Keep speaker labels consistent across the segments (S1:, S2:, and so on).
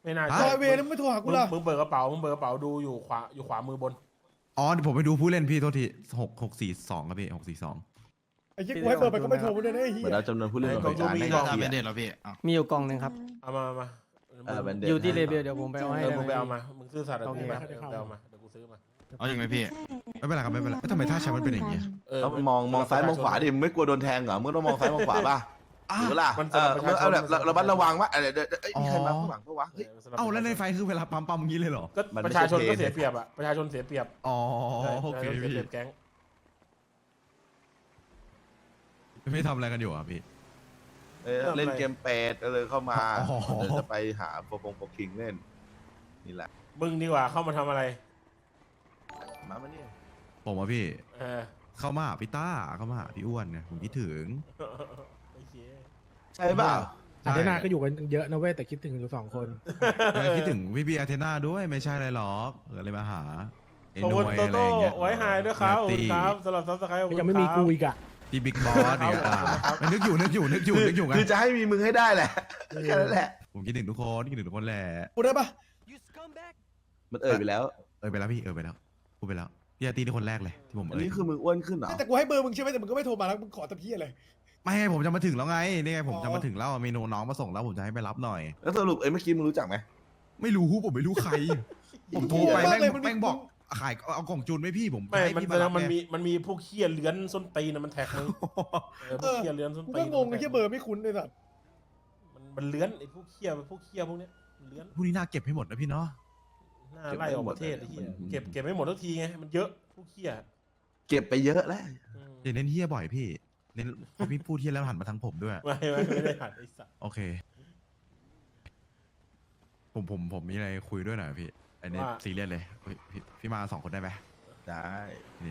S1: ไม่น่า
S2: ฮะ
S1: ใช่
S3: เวรมึงไม่โทรหากูล่ะ
S1: มึงเปิดกระเป๋าดูอยู่ขวามือบน
S2: อ๋อเดี๋ยวผมไปดูผู้เล่นพี่โทษที642ครับพี่642
S3: ไอ้เหี้ยกูให้เบอร์ไปก็ไม่โทรมึงเลยนะไอ้เหี้
S4: เหมือน
S3: ย
S4: เราจำนวนผู้เล่น
S1: ไอ้
S4: หน่วยการ
S1: กองทุนมี
S4: ให้
S1: กอง
S4: เกี
S5: เป็
S4: ย
S5: น
S4: ร
S5: เด็
S4: ติ
S5: ดแล้วพี่
S6: มีอยู่กล่องหนึ่งครับ
S1: เอามา
S4: แบนเด
S6: อยู่ที่เลเบลเดี๋ยวผมไปเอาให้
S1: มึงไป
S6: ได้
S1: เอา
S6: ไหม
S1: มามึงซื่อสัตย์กับ
S6: โอ
S1: กู
S6: เค
S1: มาเดี๋ยวไปเอามาเดี๋ยวกูซื้อมา
S5: เอาอย่างไรพี่
S2: ไม่เป็นไรครับไม่เป็นไรทำไมท่าแชมป์มันเป็นอย่างนี้
S4: แล้วมองซ้ายมองขวาดิมึงไม่กลัวโดนแทงเหรอมึงต้องมองซ้ายมองขวาป่ะหรือล่ะมึงเอาแบบระมัดระวังว่าเดี๋ยวมีใครมาข้างหลังปะวะเฮ้ย
S2: เอ้าแล้วในไฟคือเวลาปั๊มอย่างนี้เลยเหรอ
S1: ก็
S4: มันไม่
S1: ประ
S4: ใช่
S1: ชาชนก็
S4: เท
S1: เสียเปรียบอ่ะประชาชนเสียเปรียบ
S2: อ๋อโอเค
S1: ประชาชน
S2: พี่
S1: เสียเปรียบแก๊ง
S2: ไม่ทำอะไรกันอยู่อ่ะพี่
S4: เล่นเกมเป็ดก็เลยเข้ามา
S2: อ๋อ
S4: เดี๋ยวจะไปหาโปรคิงเล่นนี่แหละ
S1: มึงดีกว่าเข้ามาทำอะไร
S4: มาเนี่ย
S2: ผมอ่ะพี่
S1: เออ
S2: เข้ามาหาพี่ต้าเข้ามาหาพี่อ้วนเนี่ยผมคิดถึง
S1: โอเค
S4: ใช่ป่ะ
S3: อาเทนาก็อยู่กันเยอะนะเว้ยแต่คิดถึงอยู่2 คน
S2: คิดถึงพี่อาเทนาด้วยไม่ใช่อะไรหรอกเลยมาหาไอ้
S1: ขอบ
S2: หน่
S1: คุณ
S2: วย
S1: โต
S2: อะไร
S1: โต้
S2: อย่างเงี้ย
S1: ไว้หายด้วยครับขอบคุณครับสำหรับซับสไครต์
S3: ยังไม่มีกูอีกอ่ะ
S2: พี่บิ๊กบอสเนี่ยนึกอยู่ไง
S4: คือจะให้มีมึงให้ได้แหละแค่นั้นแหละ
S2: ผมคิดถึงทุกคนคิดถึงทุกคนแหละ
S3: กูได้ปะ
S4: มันไปแล้ว
S2: ไปแล้วพี่ไปแล้วพูดไปแล้วพี่อาร์ตี้นี่คนแรกเลยที่ผม
S4: อันนี้คือมึงอ้วนขึ้นเหรอ
S3: แต่กูให้เบอร์มึงใช่ไหมแต่มึงก็ไม่โทรมาแล้วมึงขอตะพี่อะไร
S2: ไม่ให้ผมจะมาถึงแล้วไงนี่ไงผมจะมาถึงแล้วมีน้องมาส่งแล้วผมจะให้ไปรับหน่อย
S4: แล้วสรุปเมื่อกี้มึงรู้จักไหม
S2: ไม่รู้ผมไม่รู้ใคร ผมโทรไปแม่งบอกขายเอากล่องจูนไหมพี่ผม
S1: ไม่
S2: ให้
S1: มัน
S2: พี่มารับ
S1: มันมีพวกเคี้ยเลื้อนส้นตีนมันแท็กมึงพวกเคี้ยเลื้อนส้น
S3: กู
S1: ตี
S3: ก็
S1: น
S3: งงไอ้เหี้ยเบอร์ไม่คุ้นเลยสัตว์
S1: มันเลื้อนไอ้พวกเคี้ยพวกเนี้ยมันเลื้อน
S2: พวกนี้น่าเก็บให้หมดนะพี่เนาะ
S1: หน้าไล่ออกประเทศไอ้เหี้ยเก็บไม่หมดทุกทีไงมันเยอะพวกเคี้ย
S4: เก็บไปเยอะแล้ว
S2: อย่าเน้นเฮียบ่อยพี่เน้นพอพี่พูดเฮียแล้วหันมาทางผมด้วย
S1: ไม่ได้หัดไอ้สัส
S2: โอเค ผมมีอะไรคุยด้วยหน่อยพี่อันนี้ซีเรียสเลยพี่มา2 คนได้ไหม
S4: ได้
S2: นี่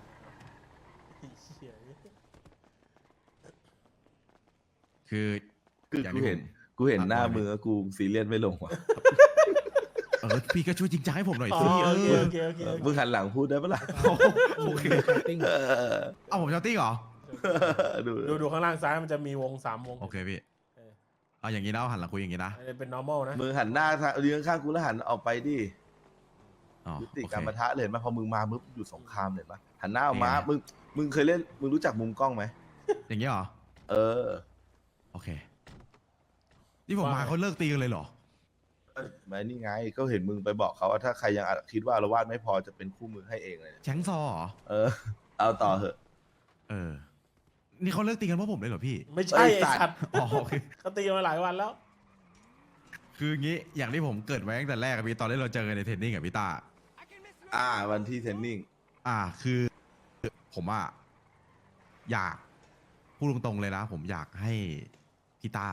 S2: คือ
S4: คือ
S2: อย่าง
S4: กู
S2: ที่
S4: เห็นหน้ามือกูซีเรียสไม่ลงว่ะ
S2: พี่ก็ช่วยจริงจังให้ผมหน่อย
S1: อ๋อ
S2: สิ
S1: โอเค
S4: มึงหันหลังพูดได้ปะล่ะ
S2: โอเค
S3: ติ้ง
S2: เอาผมชาวติ้งเหรอ
S1: ดูข้างล่างซ้ายมันจะมีวง3 วง
S2: โอเคพี่
S1: เออ
S2: เอาอย่างนี้นะเอาหันหลังคุยอย่างนี้นะ
S1: อันนี้เป็น normal นะ
S4: มึงหันหน้าเลี้ยงข้างกูแล้วหันออกไปดิ
S2: อ๋อ
S4: ยุติ
S2: โอเค
S4: การปะทะเลยเห็นไหมพอมึงมามึงอยู่สงครามเลยปะหันหน้าออกมา
S2: เนี่ย
S4: มึงเคยเล่นมึงรู้จักมุมกล้องไหม
S2: อย่างนี้เหรอ
S4: เออ
S2: โอเคนี่ผมมาเขาเลิกตีกันเลยเหรอ
S4: มานี่ไงก็เห็นมึงไปบอกเขาว่าถ้าใครยังคิดว่าอารวาสไม่พอจะเป็นคู่มือให้เองเลย
S2: แชงซอเหรอ
S4: เออ เอาต่อเหอะ
S2: นี่เขาเลิกตีกันเพราะผมเลยเหรอพี่
S1: ไม่ใช่ไอ้
S4: ไอ้สั
S1: สั
S4: ต
S1: ต
S4: ว์
S1: ว์
S2: อ๋อโอเค
S1: เขาตีมาหลายวันแล้ว
S2: คืองี้อย่างที่ผมเกิดไว้ตั้งแต่แรกอะพี่ตอนที่เราเจอกันในเทรนนิ่งกับพี่ตา
S4: วันที่เทรนนิ่ง
S2: คือผมอะอยากพูดตรงๆเลยนะ ผมอยากให้พี่ต้า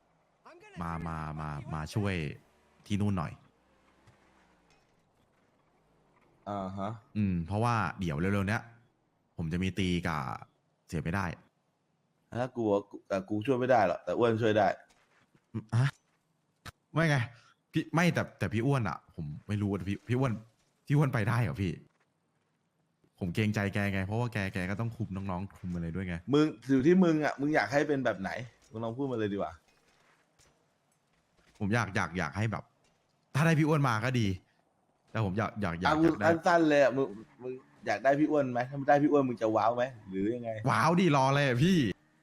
S2: มาช่วยที่นู่นหน่อย
S4: ฮะ
S2: เพราะว่าเดี๋ยวเร็วๆเนี้ยผมจะมีตีกับเสียไม่ได้
S4: ถ้ากูช่วยไม่ได้หรอกแต่อ้วนช่วยได้
S2: ฮะไม่ไงพี่ไม่แต่พี่อ้วนอะผมไม่รู้ว่าพี่อ้วนไปได้เหรอพี่ ผมเกรงใจแกไงเพราะว่าแกก็ต้องคุมน้องๆคุมอะไรด้วยไง
S4: มึงอยู่ที่มึงมึงอยากให้เป็นแบบไหนมึงลองพูดมาเลยดีกว่า
S2: ผมอยากให้แบบ ถ้าได้พี่อ้วนมาก็ดี แต่ผมอยากได้
S4: สั้นๆเลยมึงอยากได้พี่อ้วนไหมถ้าไม่ได้พี่อ้วนมึงจะว้าวไหมหรือยังไง
S2: ว้าวดีรอเลยอะพี่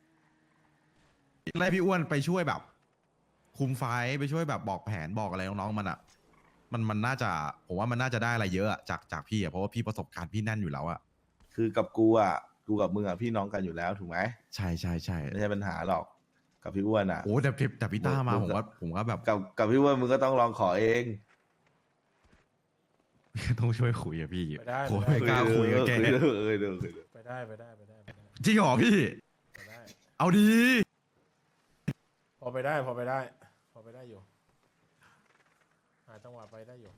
S2: ได้พี่อ้วนไปช่วยแบบ คุมไฟไปช่วยแบบบอกแผนบอกอะไรน้องๆมันอ่ะมันน่าจะผมว่ามันน่าจะได้อะไรเยอะอะจากพี่อะเพราะว่าพี่ประสบการณ์พี่แน่นอยู่แล้วอะ
S4: คือกับกูกับมึงพี่น้องกันอยู่แล้วถูกไหม
S2: ใช่
S4: ไม่ใช่ปัญหาหรอกกับพี่อ้วน
S2: โอ้แต่พี่ต้ามาผมว่าแบบ
S4: กับพี่อ้วนมึงก็ต้องลองขอเอง
S2: ต้องช่วยคุยอะพี่
S1: ไปได้
S2: โอ้ยไม่กล้าคุยกับแก
S1: ไปได้
S2: จริงเหรอพี่
S1: ไปได้
S2: เอาดี
S1: พอไปได้อยู่หาจังหวะไปได้อยู่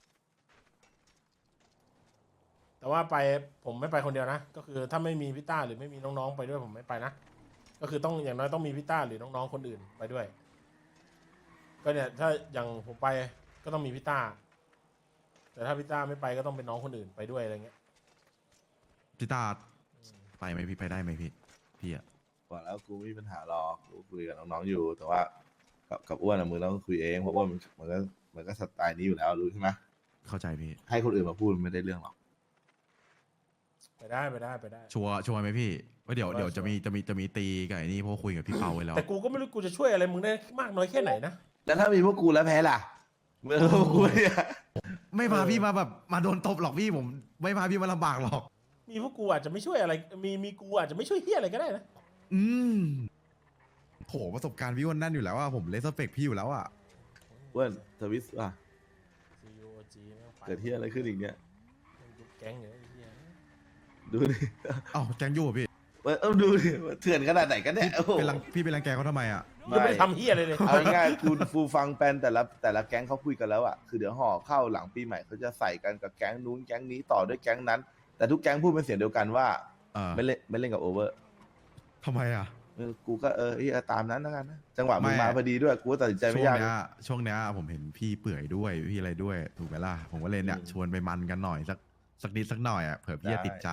S1: แต่ว่าไปผมไม่ไปคนเดียวนะก็คือถ้าไม่มีพี่ต้าหรือไม่มีน้องๆไปด้วยผมไม่ไปนะก็คือต้องอย่างน้อยต้องมีพี่ต้าหรือน้องๆคนอื่นไปด้วย ก็เนี่ยถ้าอย่างผมไปก็ต้องมีพี่ต้าแต่ถ้าพี่ต้าไม่ไปก็ต้องเป็นน้องคนอื่นไปด้วยอะไรเงี้ย
S2: พี่ต้าไปไหมพี่ไปได้ไหมพี่อะ
S4: บอกแล้วกูไม่มีปัญหาหรอกกูคุยกับน้องๆอยู่ แต่ว่ากับอ้วนมึงต้องคุยเองเพราะว่ามันก็มันก็สไตล์นี้อยู่แล้วรู้ใช่ไหม
S2: เข้าใจพี่
S4: ให้คนอื่นมาพูดมันไม่ได้เรื่องหรอก
S1: ไปได้ไปได้ไปได้
S2: ชัวร์ไหมพี่ว่าเดี๋ยว
S1: ชัวร์
S2: จะมีตีกับไอ้นี่เพราะว่าคุยกับพี่เปาไว้แล้ว
S1: แต่กูก็ไม่รู้กูจะช่วยอะไรมึงได้มากน้อยแค่ไหนนะ
S4: แล้วถ้ามีพวกกูแล้วแพ้ล่ะเมื่อพวกกูเนี่ย
S2: ไม่พาพี่มาแบบมาโดนตบหรอกพี่ผมไม่พาพี่มาลำบากหรอก
S1: มีพวกกูอาจจะไม่ช่วยอะไรมีกูอาจจะไม่ช่วยเฮียอะไรก็ได้นะ
S2: อืมโหประสบการณ์พี่อ้วนนั่นอยู่แล้วอะผมเลสเปกพี่อยู่แล้วอะ
S4: อ้วนทวิสอ่ะ
S1: COG แม่งไป
S4: เกิดที่อะไรขึ้นอีกเนี่ย
S1: แม่งยุบแก๊งอยู่ไอ้เฮีย
S4: ดูดิ
S2: เอ้าแกงยู่เหรอพี่
S4: ดูดิเถื่อนขนาดไหนกันเนี่ยโอ้โห
S2: พี่เป็นรังแกเขาทำไมอะ
S1: ยังไม่ได้ทำเฮียอะไรเลย
S4: เอาง่ายๆคือฟูฟังแปนแต่ละแก๊งเขาคุยกันแล้วอ่ะคือเดี๋ยวห่อเข้าหลังปีใหม่เขาจะใส่กันกับแก๊งนู้นแก๊งนี้ต่อด้วยแก๊งนั้น แต่ทุกแก๊งพูดเป็นเสียงเดียวกันว่า ไม่เล่นกับโอเวอร์
S2: ทำไมอะ
S4: กูก็ตามนั้นแล้วกันนะจังหวะมึง
S2: ไม่
S4: มาพอดีด้วยกูก็ตัดสินใจไม่
S2: ช่วง
S4: ยาก
S2: เนี้ยผมเห็นพี่เปื่อยด้วยพี่อะไรด้วยถูกไหมล่ะผมก็เลยเนี่ยชวนไปมันกันหน่อยสักนิดสักหน่อยอะเผื่อพี่จะติดใจ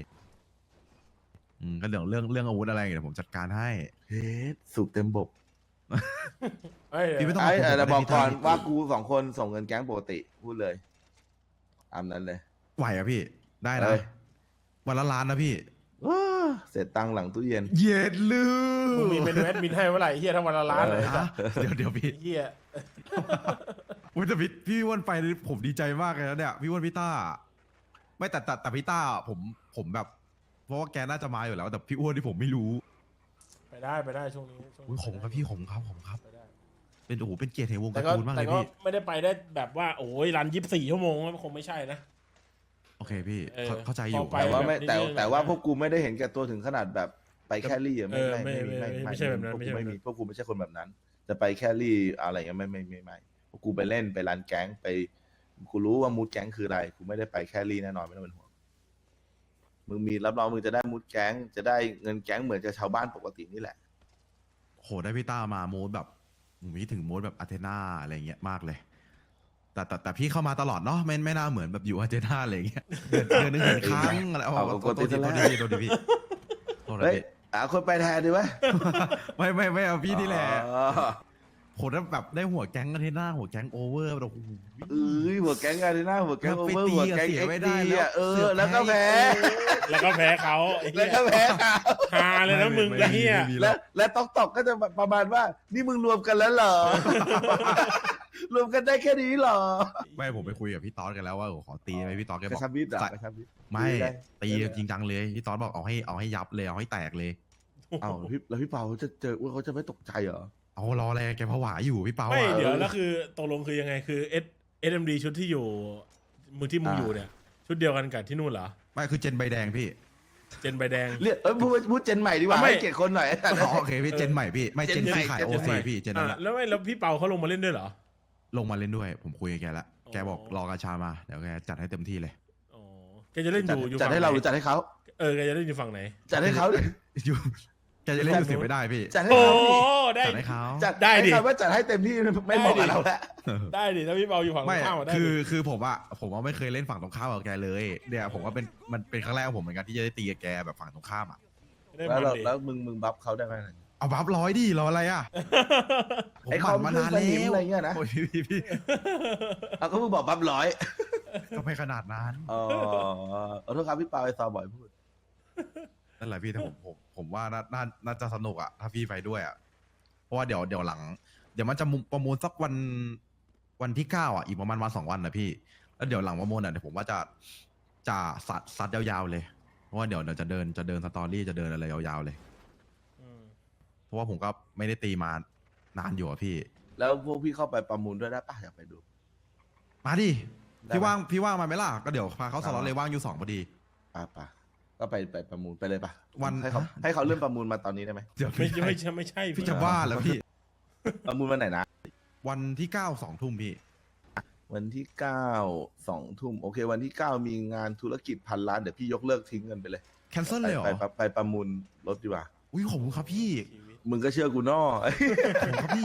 S2: ก็เรื่องอาวุธอะไรเดี๋ยวผมจัดการให้
S4: เฮ้สูบเต็มบบ
S1: เอ้ย
S2: พี่ไม่ต้อง
S4: แต่บอกก่อน
S2: พี่
S4: ว่ากู2 คนส่งเงินแก๊งปกติพูดเลยตามนั้นเลย
S2: ไหวอะพี่ได้นะ
S4: เอ้ย
S2: วันละล้านนะพี่
S4: เสร็จตังค์หลังตู้เย็น
S2: เย็ดลื
S1: มึงมีเมนูแอดมินให้เมื่อไหร่เฮียทั้งวันละล้านเลย
S2: ฮะเดี๋ยวพี่
S1: เฮีย
S2: อุ๊ยแต่พี่อ้วนไปนี่ผมดีใจมากเลยนะเนี่ยพี่อ้วนพี่ต้าไม่แต่พี่ต้าผมแบบ เพราะว่าแกน่าจะมาอยู่แล้ว แต่พี่อ้วนที่ผมไม่รู้
S1: ไปได้ช่วงนี้
S2: อุ๊ยผมครับพี่ผมครับ
S1: ไปได้
S2: เป็นโอ้โหเป็นเกียรติแห่งวง
S1: แต่
S2: การ์
S1: ก็
S2: ตูนมากเล
S1: แต่
S2: ย
S1: ก็
S2: พี่
S1: ไม่ได้ไปได้แบบว่าโอ้ยรัน24 ชั่วโมงมันคงไม่ใช่นะ
S2: โอเคพี่
S1: เออ
S2: เข้าใจอยู่
S1: พอไป
S4: แต่ว่าไม่
S1: แบบนี้
S4: แต่ว่าพวกกูไม่ได้เห็นแก่ตัวถึงขนาดแบบไปแครี่อะ
S1: เออไม่ใช่แบบนั้น
S4: พวก
S1: ไม่ใช่
S4: กู
S1: แบบนั้น
S4: ไม่มีพวกกูไม่ใช่คนแบบนั้น จะไปแครี่อะไรเงี้ยไม่พวกกูไปเล่นไปรันแก๊งไปกูรู้ว่ามูดแก๊งคืออะไรกูไม่ได้ไปแครี่แน่นอนไม่ต้องเป็นห่วงมึงมีรับรองมึงจะได้มูดแก๊งจะได้เงินแก๊งเหมือนกับชาวบ้านปกตินี่แหละ
S2: โหได้พี่ต้ามาโมดแบบผมคิดถึงโมดแบบอาเทนาอะไรเงี้ยมากเลย แต่พี่เข้ามาตลอดเนาะไม่น่าเหมือนแบบอยู่อาเทนาอะไรเงี้ยเดือนนึงเห็นครั้งอะไร
S4: เอา
S2: โทษทีพี่โทษทีพี่โทษที
S4: เฮ้ย
S2: พี่
S4: คนไปแทนดีวะ
S2: ไม่เอาพี่นี่แหละ
S4: อ๋อ
S2: ผมแบบได้หัวแก๊งอาเทนาหัวแก๊งโอเวอร์แบบโอ้โห
S4: หัวแก๊งอะไรนะหัวแก๊งโอเวอร์
S2: ไปตี
S4: หัวแก๊ง
S2: เสีย
S4: เอ็ก
S2: ไม่
S4: ซ์
S2: ได้
S4: ดี
S2: แล้ว
S4: อ่ะ
S2: เสือก
S4: แล้วก็
S2: แพ้
S4: แพ้
S1: แล้วก็แพ้เขาไอ้เหี้
S4: แล้ว
S1: ย
S4: ก็แพ้เขา
S1: ฮาเลยนะมึงไอ้เฮีย
S2: ไม่มี
S4: และตอกก็จะประมาณว่า นี่มึงรวมกันแล้วเหรอ รวมกันได้แค่นี้เหรอ
S2: ไม่ผมไปคุยกับพี่ต๊อดกันแล้วว่าขอตีไปพี่ต๊อดแก
S4: ก
S2: บ
S4: ระ
S2: อก
S4: ชับมิตรอ่ะ
S2: ใส่
S4: กระชับมิตร
S2: ไม่
S4: ได้
S2: ตี
S4: ได้
S2: จริงจังเลยพี่ต๊อดบอกเอาให้ยับเลยเอาให้แตกเลย
S4: เอาแล้วพี่เปาเขาจะเจอเขาจะไม่ตกใจเหรอ
S2: เอารออะไรแกผวาอยู่พี่เปา
S1: ไม่
S2: อะ
S1: เดี๋ยวแล้วคือตกลงคือยังไงคือ SMD ชุดที่อยู่มึงที่มึงอยู่เนี่ยชุดเดียวกันกับที่นู่นเหรอ
S2: ไม่คือเจนใบแดงพี่
S1: เจนใบแดง
S4: เรียกพูดเจนใหม่ดีกว่า
S1: ไม่
S4: ให้เกียรติคนหน่อย
S2: อ๋อโอเคพี่เจนใหม่พี่ไม่เจน
S4: เจนใหม่
S2: ที่ขาย
S4: เจน
S2: โอ
S4: ใหม่
S2: ซีพี่เจนนั่นแหละ
S1: แล้วพี่เปาเขาลงมาเล่นด้วยเหรอ
S2: ลงมาเล่นด้วย ผมคุยกับแกแล้ว
S1: อ๋อ
S2: แกบอกรอกาชามาเดี๋ยวแกจัดให้เต็มที่เลย
S1: อ๋อแกจะเล่นอยู่
S4: จัด
S1: ฝั่ง
S4: ให้เราห
S1: ไห
S4: รื
S1: น
S4: อจัดให้เขา
S1: แกจะเล่นอยู่ฝั่งไหน
S4: จัดให้เขาดิ
S2: อยู่แกจะเล่นอยู่เสียไม่ได้พี่
S4: จัดให้
S1: โอ้
S4: เขาดิ
S1: ได้
S2: จัดให้เขา
S4: จัด
S1: ได้ดิ
S4: ให้คำว่าจัดให้เต็มที่ไม่เหมาะกับเราแล้ว
S1: ได้ดิถ้าพี่เปาอยู่ฝั่งตร
S2: ไม่
S1: งข้ามอะได้
S2: คื
S1: ดิ
S2: คือผมว่าไม่เคยเล่นฝั่งตรงข้ามกับแกเลยเนี่ยผมว่ามันเป็นครั้งแรกของผมเหมือนกันที่จะได้ตีกับแกแบบฝั่งตรงข้ามอ่ะ
S1: ได้
S4: แล้ว
S1: มันดิ
S4: แล้วมึงบัฟเขาได้ไหม
S2: เอาบัฟร้อยดิรออะไรอ่ะผม
S4: ไอ้
S2: ห
S4: คอ
S2: มั่
S4: ม
S2: นมานาน
S4: เพื่อนสนิ
S2: แล้
S4: ม
S2: ว
S4: อะไรเงี้ยนะ
S2: โอ้ยพี่
S4: เอาก็มึงบอกบัฟร้อย
S2: ก็ไม่ขนาดนั้น
S4: อ๋อขอโทษครับพี่เปาไอ้ซอบ่อยพูด
S2: นั่นแหละพี่แต่ผมว่าน่าจะสนุกอ่ะถ้าพี่ไปด้วยอ่ะเพราะว่าเดี๋ยวหลัง เดี๋ยวมันจะประมูลสักวันที่9อ่ะอีกประมาณวัน2 วันนะพี่แล้วเดี๋ยวหลังประมูลอ่ะเดี๋ยวผมว่าจะซัดยาวๆเลยเพราะว่าเดี๋ยวจะเดินสตอรี่จะเดินอะไรยาวๆเลย
S1: อืม
S2: เพราะว่าผมก็ไม่ได้ตีมานานอยู่อะพี่
S4: แล้วพวกพี่เข้าไปประมูลด้วยได้ปะอยากไปดู
S2: มาดิ
S4: ได้
S2: พี่
S4: ไหม
S2: ว่างมาไหมล่ะก็เดี๋ยวพาเขาสล็อตเลยว่างอยู่2พอดี
S4: ป่ะก็ไปประมูลไปเลยป่ะ
S2: วัน
S4: ให้เขาเริ่มประมูลมาตอนนี้ได้ไหม
S2: เดี๋ยว
S1: ไม่
S2: พี่
S1: ไม่ใช่
S2: พี่จะบ้าแล้วพี่
S4: ประมูลวันไหนนะ
S2: วันที่9 2 ทุ่มพี่
S4: วันที่9 2 ทุ่มโอเค วันที่9มีงานธุรกิจ1,000 ล้านเดี๋ยวพี่ยกเลิกทิ้งกันไปเลย
S2: แคนเซิลเลยเหรอ
S4: ไปประมูลรถดีกว่า
S2: อุ้ยขอบคุณครับพี่
S1: ชีวิต
S4: มึงก็เชื่อกูนอ
S2: ขอบคุณครับพี่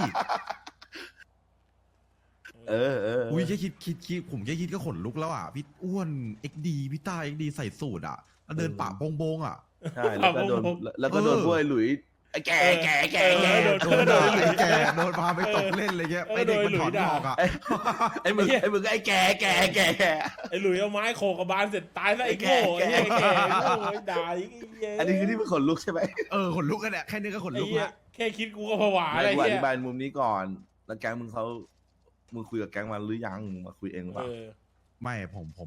S4: เออ
S2: อุ้ยแค่คิดผมแค่คิดก็ขนลุกแล้วอ่ะพี่อ้วน XD พี่ต้า XD ใส่สูตรอ่ะแล้วเดินป่าโปงๆอ่ะ
S4: ใช่แล้วก็โดน
S2: เออ
S4: พวกไอ้หลุยไอ้แก่แก่แก่แก่
S2: โดนด่าไอ้แก่โดนพาไปตกเล่นอะไรเงี้ยไอ้เด็กมันถอนหอกอ่ะ
S4: ไอ้มึงไอ้แก่แก่แก่แก่
S1: ไอ้หลุยเอาไม้โขกกับบานเสร็จตายซะไอ้โง่ไอ้เหี้ยไอ้แก่ไอ้โง่ไอ้ด่าไอ้เหี้ย
S4: อันนี้คือที่มึงขนลุกใช่ไหม
S2: ขนลุกกันแหละแค่นี้ก็ขน
S1: ไอ้
S2: ลุก
S1: เหี้ย
S2: ละ
S1: แค่คิดกูก็ผวา
S4: ไม่
S1: อะไร
S4: กูอ
S1: เหี้
S4: ธิ
S1: ย
S4: บายมุมนี้ก่อน แล้วแก๊งมึงมึงคุยกับแก๊งมาหรือยังมึงมาคุยเองหรือเปล่า
S2: ไม่ผม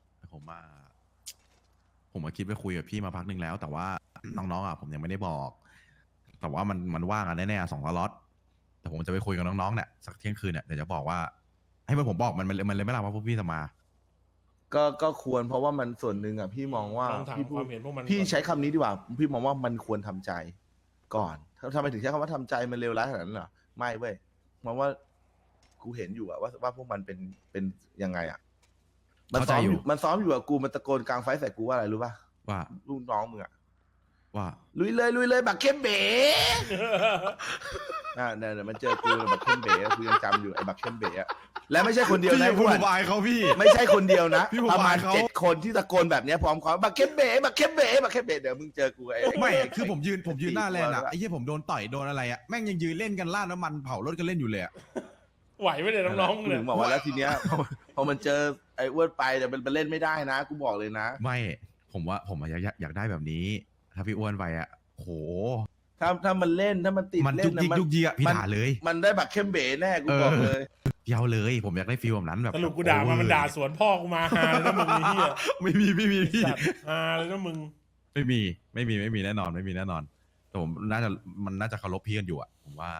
S2: คิดไปคุยกับพี่มาพักหนึ่งแล้ว แต่ว่าน้องๆอ่ะผมยังไม่ได้บอก แต่ว่ามันว่างอ่ะแน่ๆ2 สล็อตแต่ผมจะไปคุยกับน้องๆเนี่ยสักเที่ยงคืนเนี่ยเดี๋ยวจะบอกว่า ให้ผมบอกมันเลยไม่รับว่าพวกพี่จะมา
S4: ก็ควรเพราะว่ามันส่วนหนึ่งอ่ะพี่มองว่า
S1: ลองถาม
S4: พี่พู
S1: ค
S4: ด
S1: วามเห็นพวกมัน
S4: พี่
S1: ก่อน
S4: ใช้คำนี้ดีกว่า พี่มองว่ามันควรทำใจก่อนทำไมถึงใช้คำว่าทำใจมันเลวร้ายขนาดนั้นเหรอไม่เว้ยมองว่ากูเห็นอยู่อะว่าพวกมันเป็นยังไงอะมันซ้อมอยู่มันซ้อมอยู่อะกูมันตะโกนกลางไฟใส่กูว่าอะไรรู้ป่ะ
S2: ว่า
S4: ลูกน้องมึงอะ
S2: ว่า
S4: ลุยเลยบักเข้มเบ๋ เนี่ยมันเจอกูบักเข้มเบ๋กูยังจำอยู่ไอ้บักเข้มเบ๋อะและไม่ใช่คนเดียวนะ
S2: พี่
S4: เพื่อน
S2: บายเขาพี่
S4: ไม่ใช่คนเดียวนะ
S2: พี่ผม
S4: ประมาณ
S2: บายเขา
S4: 7 คนที่ตะโกนแบบเนี้ยพร้อมกันบักเข้มเบ๋เดี๋ยวมึงเจอกูไอ้
S2: ไม่คือผมยืนหน้าแลนด์อ่ะไอ้เหี้ยผมโดนต่อยโดนอะไรอ่ะแม่งยังยืนเล่นกันล่าดน้ำมันเผารถกันเล่นอยู่เลยอ่ะ
S1: ไหวไหมเนี่ยน้องๆ
S4: กู
S1: เนี่
S4: ถึ
S1: ย
S4: งบอกว่าแล้วทีเนี้ยพอมันเจอไอ้อ้วนไปเดี๋ยวมันเล่นไม่ได้นะกูบอกเลยนะ
S2: ไม่ผมอยากได้แบบนี้ ถ้าพี่อ้วนไปอ่ะโห
S4: ถ้ามันเล่นถ้ามันติด
S2: มัน
S4: เล่
S2: จุ
S4: น
S2: กยิกยุกยิกอ่ะพี่ด่าเลย
S4: มันได้บักเข้มเบ๋แน่กูบอกเลย
S2: เยาวเลย ผมอยากได้ฟีลแบบนั้นแบบ
S1: สรุปกูด่ามันด่าสวนพ่อกูมาฮาเลยนะมึงไอ้เหี้ย
S2: ไม่มีพี่
S1: สัตว์ฮาเลยนะมึง
S2: ไม่มีแน่นอนไม่มีแน่นอนแต่ผมน่าจะเคารพพี่กันอยู่อ่ะผมว่า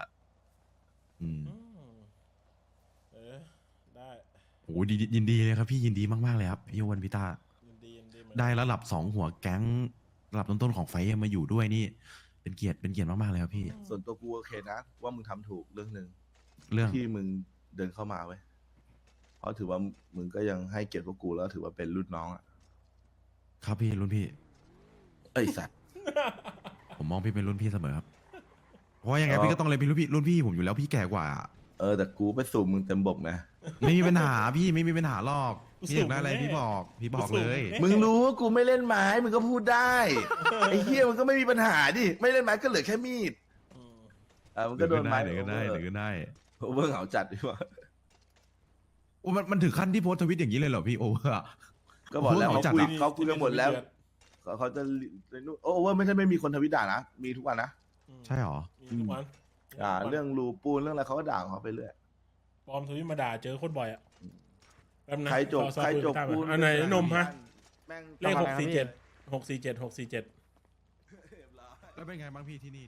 S1: ได้
S2: โอ้ยินดีเลยครับพี่ยินดีมากๆเลยครับพี่อ้วนพี่ตา
S1: ยินดีเหมือนกัน
S2: ได้ระดับ2 หัวแก๊งระดับต้นๆของไฟท์มาอยู่ด้วยนี่ เป็นเกียรติมากๆเลยครับพี่
S4: ส่วนตัวกูโอเคนะว่ามึงทำถูกเรื่องหนึ่ง
S2: เรื่อง
S4: ที่มึงเดินเข้ามาเว้ยเพราะถือว่ามึงก็ยังให้เกียรติพวกกูแล้วถือว่าเป็นรุ่นน้องอ่ะ
S2: ครับพี่รุ่นพี่
S4: เอ้ยสัตว์
S2: ผมมองพี่เป็นรุ่นพี่เสมอครับเพราะว่ายังไงพี่ก็ต้องเลยเป็นรุ่นพี่ผมอยู่แล้วพี่แก่กว่า
S4: แต่กูไปสูบมึงเต็มบกนะ
S2: ไม่มีปัญหาพี่ไม่มีปัญหาหรอกพี่อยากได้อะไรพี่บอกเลย
S4: มึงรู้ว่ากูไม่เล่นไม้มึงก็พูดได้ไอ้เหี้ยมึงก็ไม่มีปัญหาดิไม่เล่นไม้ก็เหลือแค่มีดมันก็โดนไม้
S2: หรือก็ได้
S4: โอเวอร์เหงาจัดดีกว่า
S2: โอ้มันถึงขั้นที่โพสต์ทวิตอย่างนี้เลยเหรอพี่โอเวอร์อะ
S4: ก็บอกแล้ว
S2: โอ้โห
S4: เขาคุยกันหมดแล้วเขาจะโอเวอร์ไม่ใช่ไม่มีคนทวิตด่านะมีทุกวันนะ
S2: ใช่หรอ
S1: มีทุกวัน
S4: ด่าเรื่องรูปูนเรื่องอะไรเขาก็ด่าของเขาไปเรื่อย
S1: ปลอมทวิตมาด่าเจอโคตรบ่อยอ่ะแป๊บนะ
S4: ใครจบ
S1: ซอฟต์
S4: ปูน
S1: อันไหนนมฮะ
S4: แม่ง
S1: เลข
S6: ทำอะไรครับพี่
S1: 647
S2: แล้วเป็นไงบ้างพี่ที่นี่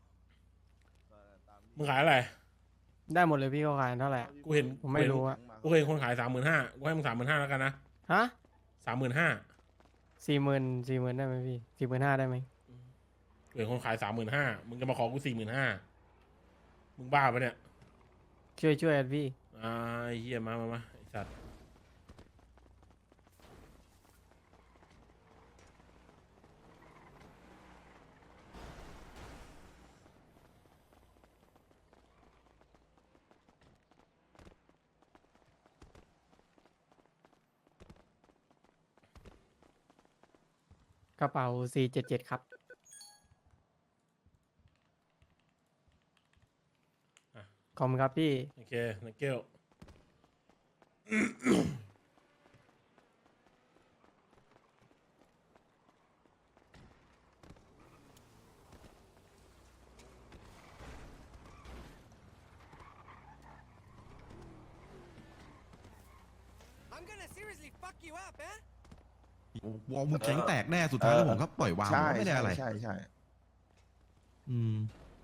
S1: มึงขายอะไร
S6: ได้หมดเลยพี่เขาขายเท่าไหร่
S1: กูเห็น
S6: ผมไม่รู้อะ
S1: กูเห็นคนขาย35,000กูให้มึง35,000แล้วกันนะ
S6: ฮะ
S1: 35,000
S6: 40,000ได้ไหมพี่45,000ได้ไหม
S1: กูเห็นคนขาย35,000มึงจะมาขอกู45,000มึงบ้าปะเนี่ย
S6: ช่วยกันพี่
S1: ไอ้เหี้ยมาไอ้สัตว์
S6: กระเป๋า477ครับ ขอบคุณครับพี่
S1: โอเคนักเกล
S2: วอลมึงแข็งแตกแน่สุดท้ายแล้วผมก็ปล่อยวาง
S4: ใช่
S2: ไม่ได้อะไร
S4: ใช่
S2: อืม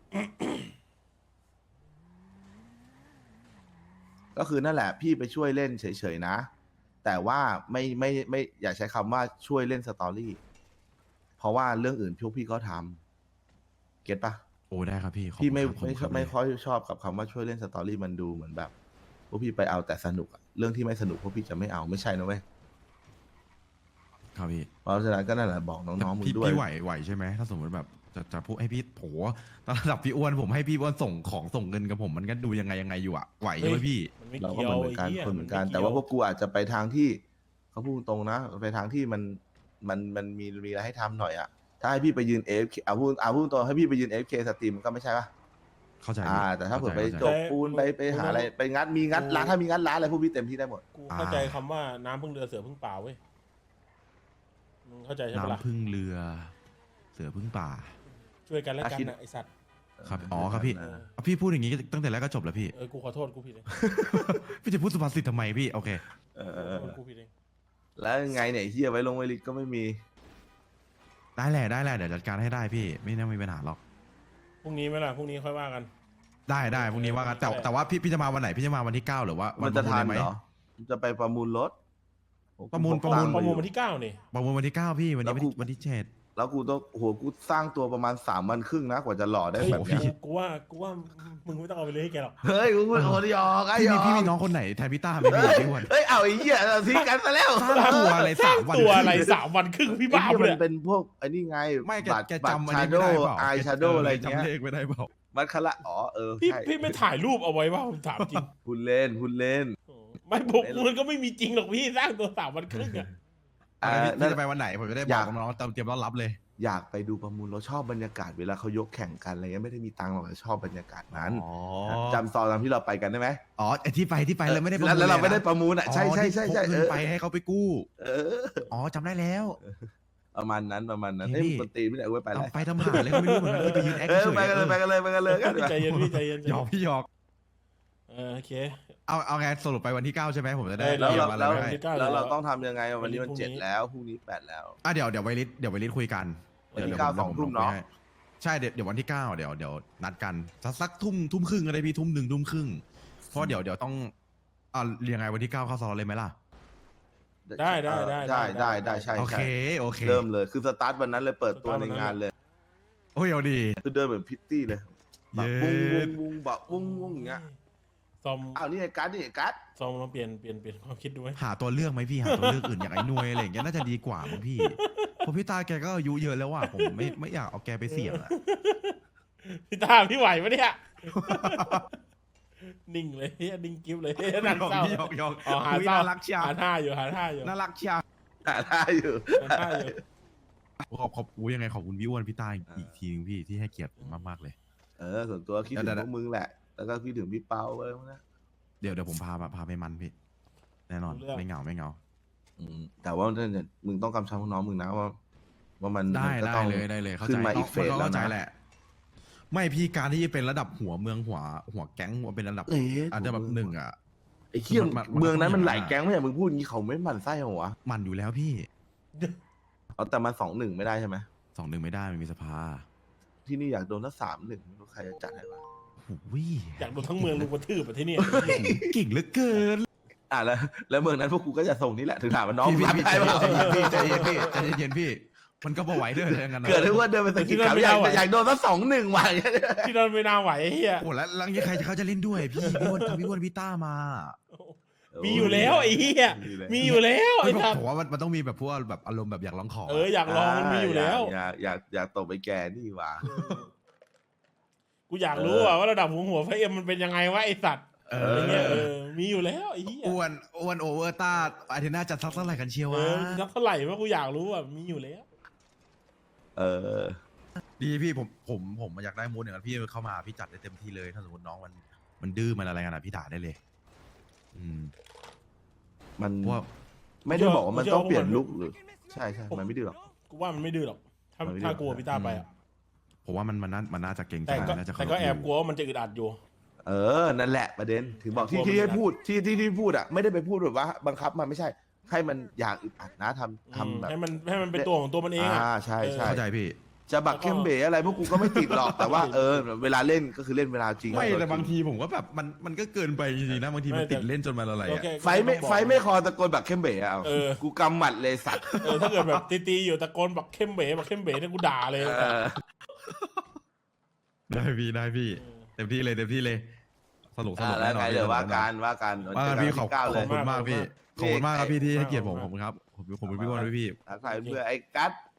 S4: ก็คือนั่นแหละพี่ไปช่วยเล่นเฉยๆนะ แต่ว่าไม่อย่าใช้คำว่าช่วยเล่นสตอรี่เพราะว่าเรื่องอื่นพวกพี่ก็ทำเก็ตปะ
S2: โอ้ได้ครับพี่ขอบ
S4: พี่ไม่
S2: คุณครับ
S4: ไม่ค่อยชอบกับคำว่าช่วยเล่นสตอรี่มันดูเหมือนแบบพวกพี่ไปเอาแต่สนุกอะเรื่องที่ไม่สนุกพวกพี่จะไม่เอาไม่ใช่นะเว้ย
S2: ครับพี่
S4: เพราะฉะนั้นก็นั่นแหละบอกน้องๆมึง
S2: พี่
S4: ด้วย
S2: พี่ไหวใช่ไหมถ้าสมมติแบบจะพูดให้พี่โหระดับพี่อ้วนผมให้พี่อ้วนส่งเงินกับผมมันก็ดูยังไงอยู่อะไหวใช่ไหมพี่
S1: มันไม่
S4: เราก็
S1: เกี่ยว
S4: เหมือนกัน
S1: ไหี้ย
S4: คนเหมือนกัน
S1: ไกี่ย
S4: แต่ว่าพวกกูอาจจะไปทางที่เขาพูดตรงนะไปทางที่มันมีอะไรให้ทำหน่อยอะถ้าให้พี่ไปยืน AFK พูดตัวให้พี่ไปยืน AFK สตรีมก็ไม่ใช่ปะ
S2: เข้าใจพี่
S4: แต่ถ้าเผื่อไป
S2: เข้า
S4: จ
S2: ใจ
S4: บปูนไปหาอะไรไปงัดร้านถ้ามีงัดร้านอะไรพวกพี่เต็มที่ได้หมด
S1: กูเข้าใจคำว่าน้ำพึ่งเรือเสือพึ่งป่าเว้ยมึงเข้าใจใช่ปะล่ะ
S2: น้ำพึ่งเรือ เสือพึ่งป่า
S1: ช่วยกันและกัน
S4: คิด
S1: นะไอสัตว์
S2: ครับอ๋อครับพี่พี่พูดอย่างนี้ตั้งแต่แรกก็จบแล้วพี่
S1: กูขอโทษกูผิดเอง
S2: พี่จะพูดสุภาษิตทำไมพี่โอเค
S1: กูผิดเอง
S4: แล้วไงเนี่ยเฮียไว้ลงไวลิสก็ไม่มี
S2: ได้แหละเดี๋ยวจัดการให้ได้พี่ไม่น่ามีปัญหาหรอก
S1: พรุ่งนี้ไหมล่ะพรุ่งนี้ค่อยว่ากัน
S2: ได้พรุ่งนี้ว่ากันแต่ว่าพี่จะมาวันไหนพี่จะมาวันที่ 9 หรือว่าวั
S4: มันจะทัน
S2: ไหม
S4: เหรอมันจะไปประมูลรถ
S2: ประมูล
S1: ประมูลวันที่ 9นี่
S2: ประมูลวันที่ 9 พี่วันนี้
S4: แล้วกู
S2: วันที่ 7
S4: แล้วกูต้องกูสร้างตัวประมาณ3 วันครึ่งนะกว่าจะหล่อได้
S1: เฮ้ย
S4: แบบเนี้ย
S1: กูว่ามึงไม่ต้องเอาไปเลยให้แกหรอก
S4: เฮ้ยกูพูดโอ้ยยอกไอ้
S2: พี่
S4: ย
S2: มี
S4: อก
S2: พี่มีน้องคนไหนแทนพี่ต้าไหมพี่พี่อ้วน
S4: เฮ้ยเอาไอ้เหี้ยเราทิ้งกันซะแล้ว
S2: สร้างตัวอะไร3 วัน
S1: ตัวอะไร3 วันครึ่งพี่บ้า
S4: ไอ้
S1: ปะ
S4: เหี้ย
S1: เนี่ย
S4: มันเป็นพวกไอ้นี่ไง
S2: ไม่แก
S4: บัตร
S2: แก
S4: บัตร
S2: จำอัน
S4: ชา
S2: นี้
S4: โด
S2: ไม่ได้เปล่า
S4: ไอชาโดอะไรเงี้ย
S2: จำเลขไม่ได้เปล่า
S4: มัดคละ
S1: พี่
S4: ใช่
S1: พี่ไม่ถ่ายรูปเอาไว้ว่าผมถามจริง
S4: พูดเล่น
S1: ไม่ผมมันก็ไม่มีจริงหรอกพี่สร้างตัว3 วันครึ่งอะ
S2: พี่จะไปวันไหนผมจะได้บอกน้องๆเตรียมต้อนรับเลย
S4: อยากไปดูประมูลเราชอบบรรยากาศเวลาเขายกแข่งกันอะไรเงี้ยไม่ได้มีตังค์หรอกแต่ชอบบรรยากาศนั้น
S2: อ๋อ
S4: จำซอนตามที่เราไปกันได้ไหม
S2: อ๋อไอ้ที่ไปเลยไม่ได้ประมูล
S4: แล้วเราไม่ได้
S2: ลย
S4: ประมูลอ่ะ
S2: นะ
S4: ใช่
S2: อ๋อที่พกเงินไปให้เขาไปกู้
S4: เออ
S2: อ๋อจำได้แล้ว
S4: ประมาณนั้น
S2: เฮ้ย
S4: เอ้ย
S2: พี่
S4: ปกติไม่ได้เอาไว้ไปแล้ว
S2: ทำหาเลยก็ไม่รู้เหมือนกันไปยืนแอค
S4: เออ
S2: เฉย
S4: ไปกันเลยไปกันเลยไปกันเลยกัน
S1: ใจเย็นพี่ใจเย็น
S2: หยอกพี่หยอก
S1: โอเค
S2: เอาไงสรุปไปวันที่ 9 ใช่ไหมผมจะได้
S4: แล้ว
S2: เตรีย
S4: เรา
S2: มอะไร
S4: แล้ว
S2: ไว้ให้
S4: แล้วเราต้องทำยังไงวันนี้มัน
S1: พรุ่งนี้
S4: 7แล้วพรุ่งนี้8แล้ว
S2: เดี๋ยวไวริสคุยกัน
S4: วันที่
S2: ดี๋ย
S4: 9
S2: ผม
S4: 2 ทุ่ม
S2: ลง
S4: เนาะ
S2: ไปให้ใช่เดี๋ยววันที่ 9เดี๋ยวนัดกันสักทุ่มครึ่งก็ได้พี่ทุ่ม 1 ทุ่มครึ่งเพราะเดี๋ยวต้องเรียงไงวันที่ 9เข้าซอนเลยไหมล่ะ
S1: ได้
S4: ใช่
S2: โอเค
S4: เริ่มเลยคือสตาร์ทวันนั้นเลยเปิดตัวในงานเลย
S2: โอ้ยเอาดี
S4: คือเดินเหมือนพิตตี้เลยแบบ
S2: เย็
S4: วุ้ง
S2: ด
S4: วุ้งแบบวุ้งวุ้งอย่างเงี้ย
S1: ซอม
S4: อ้าวนี่ไอ้กัสนี่ไอ้กัส
S1: ซอมลองเปลี่ยนความคิดดูไหม
S2: หาตัวเลือกไหมพี่หาตัวเลือกอื่นอย่างไอ้หนวยอะไรอย่างเงี้ยน่าจะดีกว่ามั้งพี่เพราะพี่ตาแกก็อายุเยอะแล้วว่ะผมไม่อยากเอาแกไปเสี่ยงอะ
S1: พี่ตาพี่ไหวปะเนี่ยนิ่งเลยนิ่งกิ๊บเลยนั่งเศร้า
S2: หยอก
S1: อ๋อหา
S2: อุ๊ย
S1: เศร้า
S2: น่ารักเชียว
S1: หาท่าอยู่
S2: น่ารักเชียว
S4: หาได้อยู่
S1: หาท่าอยู่
S2: ขอบยังไงขอบคุณพี่อ้วนพี่ตาอีกทีนึงพี่ที่ให้เกียรติผมมากๆเลย
S4: ส่วนตัวคิดถึงพวกมึงแหละ แล้วก็คิดถึงพี่เปาอะไรพวกนั้น
S2: เดี๋ยวผมพาไปมันพี่แน่นอนไม่เหงา
S4: แต่ว่าเนี่ยมึงต้องกำชับน้องมึงนะว่ามัน
S2: ได้
S4: ก็ต้อง
S2: เลยเข้า
S4: ขึ้
S2: ใจ
S4: นมาอีกเฟส
S2: มัน
S4: แล้ว
S2: เข้าใจ
S4: นะ
S2: แหละ ไม่พี่การที่เป็นระดับหัวเมืองหัวแก๊งหัวเป็นระดับ
S4: เอ๊ะ
S2: อาจจะแบบหนึ่งอ่ะ
S4: ไอ้เขี้ย
S2: มัน
S4: เมืองนั้นมัน
S2: ต้อง
S4: หลาย
S2: อย่างนั้น
S4: แก๊งไม่ใช่มึงพูดอย่างนี้เขาไม่หมั่นไส้เหรอวะ
S2: มันอยู่แล้วพี่
S4: เอาแต่มา2-1ไม่ได้ใช่ไหม
S2: 2-1ไม่ได้มันมีสภา
S4: ที่นี่อยากโดนถ้า3-1ไม่รู้ใครจะจัดให้วะ
S2: โอ้ย
S1: อยากโดนทั้งเมืองลุงกระทืบแบบที่นี่
S2: เก่งเหลือเกิน
S4: แล้วเมืองนั้นพวกกูก็จะส่งนี่แหละถึงถามว่าน้อง
S2: พี่
S4: รับได้เปล่า
S2: ใจเย็นพี่มันก็พอไหวด้วยอะไรกันนะ
S4: เกิดได้ว่าเดินไปสกิดเขาอยากโดนสัก2-1ว่ะ
S1: ที่นั่นไม่น่าไหวไอ้เฮีย
S2: โอ้แล้วยังใครเขาจะเล่นด้วยพี่พี่อ้วนพี่ต้ามา
S1: มีอยู่แล้วไอ้เฮียมีอยู่แล้วไอ้ทับ
S2: ผมว่ามันต้องมีแบบพวกแบบอารมณ์แบบอยากลองของ
S1: อยากลองมันมีอยู่แล้ว
S4: อยากตบไปแกนี่ว่ะ
S1: กูอยากรู้ว่าระดับหัวไฟเอ็มมันเป็นยังไงวะไอสัตว์อะไรเงี้ยมีอยู่แล้วไอ้เหี้ย
S2: อ้วนโอเวอร์ต้าอาทิตย์หน้าจะสักเท่าไหร่กันเชียววะ
S1: นักเท่าไหร่วะกูอยากรู้ว่ามีอยู่แล้ว
S2: ดีพี่ผมอยากได้มูดอย่างนั้นพี่เข้ามาพี่จัดได้เต็มที่เลยถ้าสมมติน้องมันดื้อมันอะไรกันอ่ะพี่ด่าได้เลย
S4: มัน
S2: ว่า
S4: ไม่ได้บอกว่ามันต้องเปลี่ยนลุคหรือใช่มันไม่ดื้อหรอก
S1: กูว่ามันไม่ดื้อหรอกถ้ากลัวพี่ตาไปอ่ะ
S2: ผมว่ามันน่าจะเก่งใจ น่าจะ
S1: แต่ก็แอบกลัวว่ามันจะอึดอัดอยู่
S4: นั่นแหละประเด็นถึงบอกที่ให้พูดที่พูดอ่ะไม่ได้ไปพูดแบบว่าบังคับมันไม่ใช่ให้มันอยากอึดอัดนะทำแบบ
S1: ให้มันเป็นตัวของตัวมันเองอ่ะ
S4: ใช่
S2: เข้าใจพี่
S4: จะบักเข้มเบ๋อะไรพวกกูก็ไม่ติดหรอกแต่ว่าเวลาเล่นก็คือเล่นเวลาจริง
S2: ไม่แต่บางทีผมก็แบบมันก็เกินไปจริงๆนะบางทีมันติดเล่นจนมันอะไรอ่ะ
S4: ไฟไม่คอตะโกนบักเข้มเบ๋อ่ะกูกำหมัดเลยสัตว์
S1: ถ้าเกิดแบบตีอยู่ตะโกนบักเข้มเบ๋เนี่ยกูด่าเลย
S2: ได้พี่เต็มที่เลยสนุก
S4: แล้ว
S2: แน่นอ
S4: ไง
S2: น
S4: เดี๋ยวว่าการ
S2: พี่ขอบ
S4: 9เลย
S2: คุณมากพี่ขอบคุณมากครับพี่ที่ให้เกียรติผมขอบคุณครับผมเป็นพี่อ้วนด้วยพี่
S4: ใครเพื่อไอ้กัส